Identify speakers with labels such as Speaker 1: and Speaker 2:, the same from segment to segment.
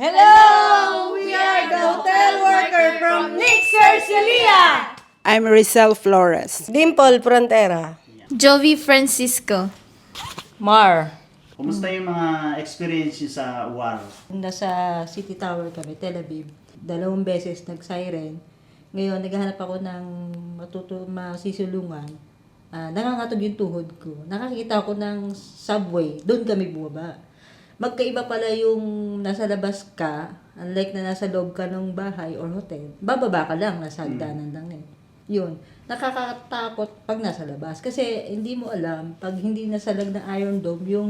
Speaker 1: Hello! We are the hotel worker from Nick Cercelia!
Speaker 2: I'm Rizal Flores.
Speaker 1: Dimple Frontera.
Speaker 3: Jovi Francisco.
Speaker 1: Mar.
Speaker 4: Kumusta yung mga experience niyo sa WAR?
Speaker 5: Nasa City Tower kami, Tel Aviv. 2 beses nag-siren. Ngayon, naghahanap ako ng masisulungan. Nangangatog yung tuhod ko. Nakakita ako ng subway. Doon kami bumaba. Magkaiba pala yung nasa labas ka, unlike na nasa loob ka ng bahay or hotel. Bababa ka lang, nasa hagdanan lang eh. Yun. Nakakatakot pag nasa labas. Kasi hindi mo alam, pag hindi nasalag ng Iron Dome yung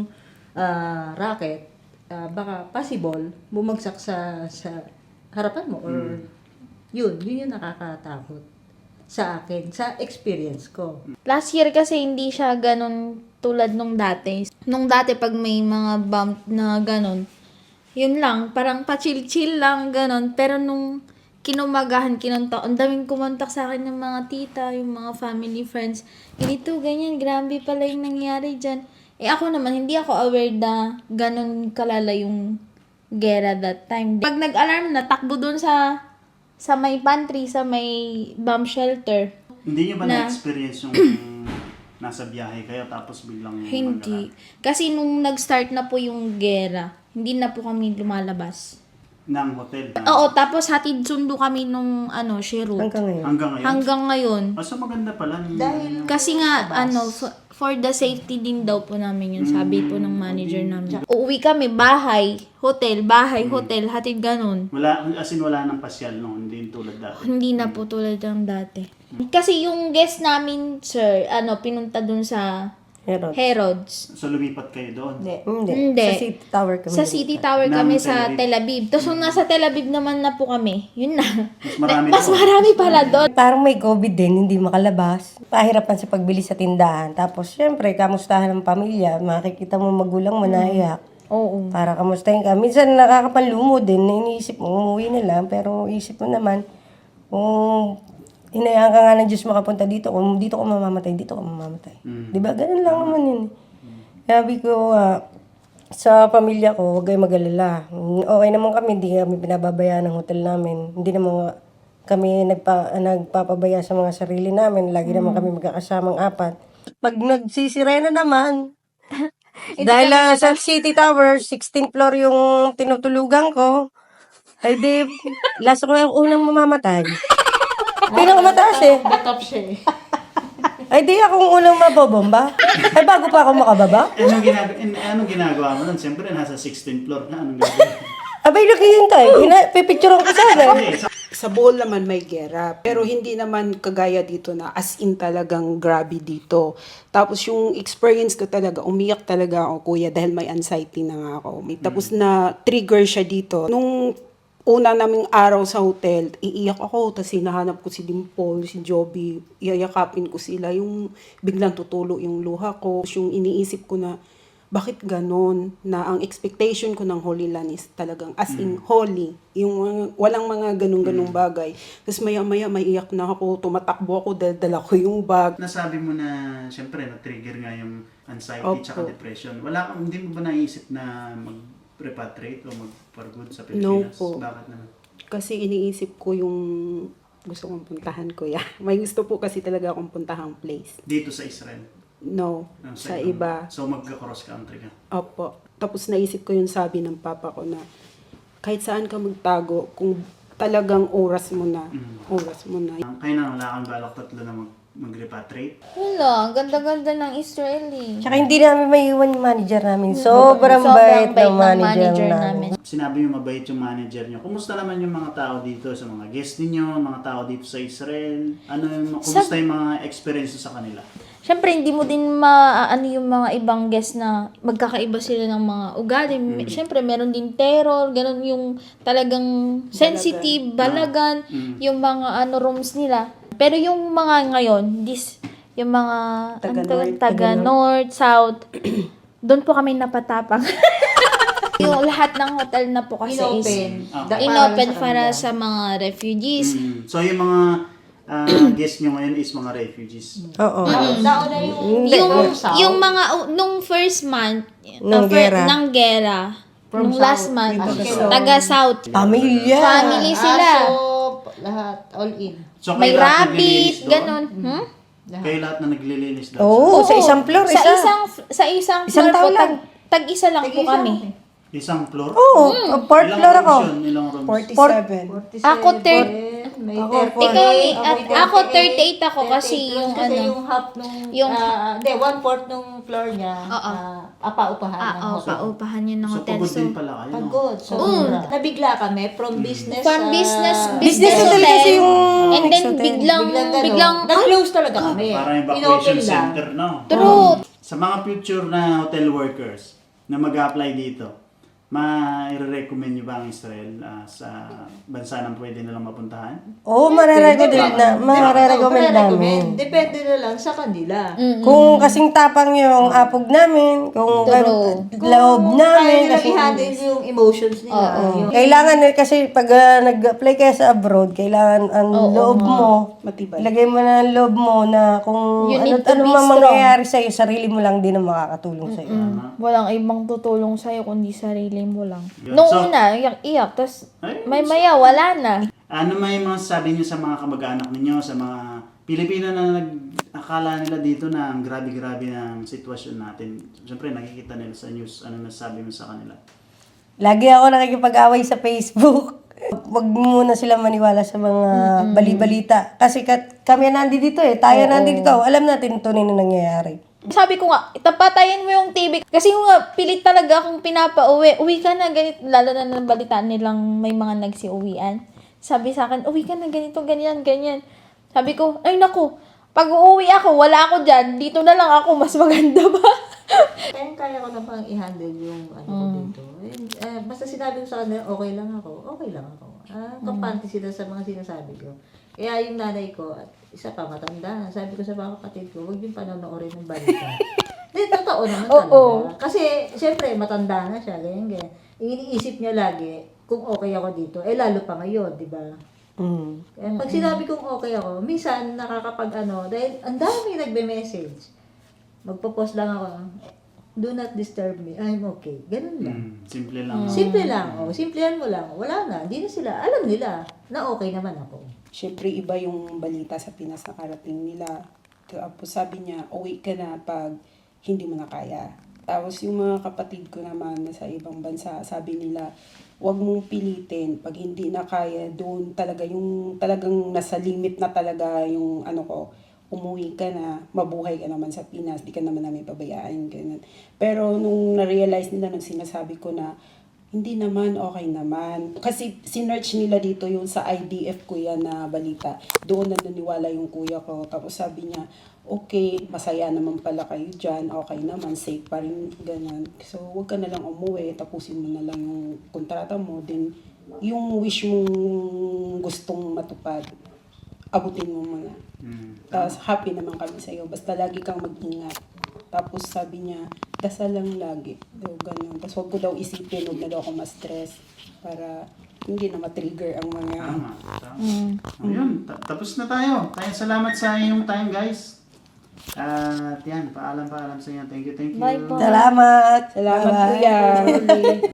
Speaker 5: rocket, baka possible bumagsak sa harapan mo or yun yung nakakatakot sa akin, sa experience ko.
Speaker 3: Last year kasi hindi siya ganun tulad nung dati. Nung dati pag may mga bump na ganun, yun lang, parang pa-chill-chill lang ganun. Pero nung kinumagahan, ang daming kumontak sa akin ng mga tita, yung mga family, friends. Ganito, ganyan, grabe pala yung nangyari dyan. Eh ako naman, hindi ako aware na ganun kalala yung gera that time. Pag nag-alarm na, takbo dun sa may pantry, sa may bomb shelter.
Speaker 4: Hindi niyo ba
Speaker 3: Na-
Speaker 4: na-experience yung nasa biyahe kayo tapos biglang
Speaker 3: Hindi. Kasi nung nag-start na po yung gera, hindi na po kami lumalabas.
Speaker 4: ng hotel?
Speaker 3: Oo, tapos hatid sundo kami nung Shirut.
Speaker 5: Hanggang ngayon.
Speaker 4: Hanggang ngayon?
Speaker 3: Hanggang ngayon.
Speaker 4: So maganda pala.
Speaker 5: Dahil-
Speaker 3: Kasi nga, for the safety din daw po namin yun, sabi po ng manager namin. Uuwi kami, bahay, hotel, hatid ganun.
Speaker 4: Wala, as in wala nang pasyal, no? Hindi yung tulad dati.
Speaker 3: Hindi na po tulad ng dati. Kasi yung guest namin, sir, pinunta dun sa Herods.
Speaker 4: So lumipat kayo doon?
Speaker 3: Hindi.
Speaker 5: Sa City Tower kami.
Speaker 3: Sa City Tower kami
Speaker 4: Ng
Speaker 3: sa
Speaker 4: Tel
Speaker 3: Tel Aviv. Tapos nung nasa Tel Aviv naman na po kami, yun na.
Speaker 4: Mas
Speaker 3: Marami pala doon.
Speaker 1: Parang may COVID din, hindi makalabas. Pahirapan sa pagbili sa tindahan. Tapos, syempre, kamustahan ng pamilya. Makikita mo magulang mo naiyak.
Speaker 3: Oo.
Speaker 1: Para kamustahin ka. Minsan nakakapanlumo din. Iniisip mo, umuwi na lang. Pero isip mo naman, kung hinayaan ka nga ng Diyos makapunta dito, kung dito ka mamamatay, dito ka mamamatay. Diba? Ganun lang naman yun. Sabi ko, sa pamilya ko, huwag kayo mag-alala. Okay naman kami, hindi kami pinababayaan ng hotel namin. Hindi naman kami nagpapabaya sa mga sarili namin. Lagi naman kami magkakasamang 4. Pag nagsisirena naman, dahil sa City Tower, 16th floor yung tinutulugan ko, ay di, last ko yung unang mamamatay. Pinakamataas eh.
Speaker 5: Batop siya eh.
Speaker 1: Ay di akong unang mabobomba. Ay bago pa ako makababa.
Speaker 4: Anong ginagawa mo nun? Siyempre, nasa 16th floor na. Anong gagawin?
Speaker 1: Abay, naghihintay. Pipicturean ko sana.
Speaker 4: Hindi,
Speaker 2: Sa Bohol naman may gera, pero hindi naman kagaya dito na as in talagang grabe dito. Tapos yung experience ko talaga, umiyak talaga ako kuya dahil may anxiety na nga ako. Tapos na trigger siya dito. Nung una naming araw sa hotel, iiyak ako, tapos hinahanap ko si Dimple, si Joby, iyayakapin ko sila, yung biglang tutulo yung luha ko. Yung iniisip ko na, bakit ganon? Na ang expectation ko ng Holy Land is talagang as in holy. Yung walang mga ganong-ganong bagay. Tapos maya-maya maiyak na ako, tumatakbo ako, dala ko yung bag.
Speaker 4: nasabi mo na, siyempre, na-trigger nga yung anxiety
Speaker 2: Opo.
Speaker 4: tsaka depression. Hindi mo ba naisip na mag-repatriate o mag-for good sa
Speaker 2: No
Speaker 4: Pilipinas?
Speaker 2: po.
Speaker 4: Bakit naman?
Speaker 2: Kasi iniisip ko yung gusto kong puntahan ko ya. May gusto po kasi talaga akong puntahang place.
Speaker 4: Dito sa Israel?
Speaker 2: No, sa iba.
Speaker 4: So magka-cross country ka?
Speaker 2: Opo. Tapos naisip ko yung sabi ng papa ko na kahit saan ka magtago, kung talagang oras mo na.
Speaker 4: Kaya na wala kang balak tatlo na mag-repatriate?
Speaker 3: Wala, ang ganda-ganda ng Israeli.
Speaker 1: Tsaka hindi namin maiwan yung manager namin. Sobrang bait ng manager namin.
Speaker 4: Sinabi yung mabait yung manager nyo. Kumusta naman yung mga tao dito sa mga guest ninyo, mga tao dito sa Israel? Kumusta yung mga experience sa kanila?
Speaker 3: Siyempre, hindi mo din maaano yung mga ibang guests na magkakaiba sila ng mga ugali. Siyempre, meron din terror, ganun yung talagang sensitive, balagan, yung mga rooms nila. Pero yung mga ngayon, yung mga taga-north, south, doon po kami napatapang. Yung lahat ng hotel na po kasi inopen para sa mga refugees.
Speaker 4: So yung mga guest nyo ngayon is mga refugees?
Speaker 1: Oo.
Speaker 5: Daon na yung
Speaker 3: Yung mga nung first month
Speaker 1: Nung gera.
Speaker 3: ng gera, Nung last month.
Speaker 5: Aso.
Speaker 3: Taga-South.
Speaker 1: Pamilya.
Speaker 3: Family sila.
Speaker 5: Aso, lahat, all in.
Speaker 4: So,
Speaker 3: May
Speaker 4: kayo lahat
Speaker 3: rabbit,
Speaker 4: naglilinis doon?
Speaker 3: ganon.
Speaker 4: Kayo lahat na naglilinis doon?
Speaker 1: Oo, sa isang floor,
Speaker 3: Sa
Speaker 1: isa.
Speaker 3: isang
Speaker 1: Isang
Speaker 3: floor
Speaker 1: tao
Speaker 3: po,
Speaker 1: lang.
Speaker 3: tag-isa lang po kami.
Speaker 4: Isang floor?
Speaker 1: Oo, fourth
Speaker 4: Ilang
Speaker 1: floor ako.
Speaker 4: rooms yun? Ilang rooms?
Speaker 2: 47.
Speaker 3: Ako,
Speaker 5: May
Speaker 1: Ako,
Speaker 5: 38.
Speaker 3: Ako, 38 ako kasi yung
Speaker 5: kasi
Speaker 3: ano.
Speaker 5: yung half nung,
Speaker 3: yung-
Speaker 5: hindi, 1/4 nung floor niya,
Speaker 3: Oo.
Speaker 5: apa-upahan ng
Speaker 3: Oo,
Speaker 5: hotel.
Speaker 3: paupahan yun ng
Speaker 4: So,
Speaker 3: hotel.
Speaker 4: pagod
Speaker 3: So,
Speaker 4: din pala kayo. no?
Speaker 5: Pagod. So, nabigla kami from business
Speaker 3: from business
Speaker 1: Business hotel kasi yung
Speaker 3: and then
Speaker 1: hotel.
Speaker 3: biglang,
Speaker 5: biglang nag-close talaga kami.
Speaker 4: Parang
Speaker 5: Inopen
Speaker 4: evacuation
Speaker 5: lang.
Speaker 4: center, no?
Speaker 3: True.
Speaker 4: Sa mga future na hotel workers na mag-apply dito, ma-recommend nyo ba ang Israel sa bansa na pwede nilang mapuntahan?
Speaker 1: Oo, mararecommend namin.
Speaker 5: Depende na lang sa kanila.
Speaker 1: Kung kasing tapang yung apog namin, kung loob namin,
Speaker 5: Kaya
Speaker 1: kasi
Speaker 5: nila i-handle yung emotions nila. Yung,
Speaker 1: kailangan kasi pag nag-apply ka sa abroad, kailangan ang loob mo,
Speaker 2: Matibay.
Speaker 1: ilagay mo na ang loob mo na kung
Speaker 3: You need to
Speaker 1: ano
Speaker 3: be
Speaker 1: man
Speaker 3: strong.
Speaker 1: mangyayari sa'yo, sarili mo lang din ang makakatulong sa'yo.
Speaker 3: Walang ibang tutulong sa'yo kundi sarili mo lang.
Speaker 4: Yun.
Speaker 3: Nung
Speaker 4: So-
Speaker 3: una, iyak, tapos
Speaker 4: Ay,
Speaker 3: may maya, wala na.
Speaker 4: Ano may mga sabi niyo sa mga kamag-anak ninyo, sa mga Pilipino na akala nila dito na ang grabe-grabe ng sitwasyon natin? Siyempre, nakikita nila sa news. Ano nasabi mo sa kanila?
Speaker 1: Lagi ako nakikipag-away sa Facebook. Wag muna sila maniwala sa mga bali-balita. Kasi kami nandito tayo nandito. Alam natin ito na nangyayari.
Speaker 3: Sabi ko nga, itapatayin mo yung TV. Kasi yung nga, pilit talaga akong pinapauwi. Uwi ka na, ganito. Lalo na nabalitaan nilang may mga nagsiuwian. Sabi sa akin, uwi ka na, ganito, ganyan, ganyan. Sabi ko, ay naku, pag uuwi ako, wala ako dyan. Dito na lang ako, mas maganda ba?
Speaker 5: kaya ko na pang i-handle yung ano ko dito. Basta sinabi ko sa kanila, okay lang ako. Kampante sila sa mga sinasabi ko. Kaya yung nanay ko, at isa pa matanda na, sabi ko sa mga kapatid ko, huwag yung panonoorin ng balita. Hindi, totoo naman talaga. Kasi, siyempre, matanda na siya, ganyan. Iniisip niya lagi, kung okay ako dito, lalo pa ngayon, di ba? Kaya pag sinabi kong okay ako, minsan dahil ang dami nagbe-message. Magpo-post lang ako, do not disturb me, I'm okay. Ganun lang.
Speaker 4: Simple lang.
Speaker 5: Simple lang, simplihan mo lang. Wala na, hindi na sila, alam nila na okay naman ako.
Speaker 2: Siyempre, iba yung balita sa Pinas na karating nila. Tapos sabi niya, uwi ka na pag hindi mo na kaya. Tapos yung mga kapatid ko naman na sa ibang bansa, sabi nila, huwag mong pilitin. Pag hindi na kaya, doon talaga yung talagang nasa limit na talaga yung ano ko, umuwi ka na, mabuhay ka naman sa Pinas, di ka naman namin pabayaan, ganun. Pero nung na-realize nila, nung sinasabi ko na, hindi naman, okay naman. Kasi sinearch nila dito yung sa IDF kuya na balita. Doon na naniwala yung kuya ko. Tapos sabi niya, okay, masaya naman pala kayo dyan. Okay naman, safe pa rin, ganun. So, huwag ka na lang umuwi. Tapusin mo na lang yung kontrata mo. Then, yung wish mong gustong matupad, abutin mo muna. Tapos, happy naman kami sa'yo. Basta lagi kang mag-ingat. Tapos sabi niya, dasal lang lagi. So, ganun. Tapos huwag ko daw isipin, huwag na daw ako ma-stress para hindi na ma-trigger ang mga...
Speaker 4: Tama. Ayun, tapos na tayo. Kaya salamat sa inyong time, guys. At yan, paalam sa inyo. Thank you.
Speaker 3: Bye po.
Speaker 1: Salamat.
Speaker 2: Salamat
Speaker 1: Bye-bye.
Speaker 2: kuya.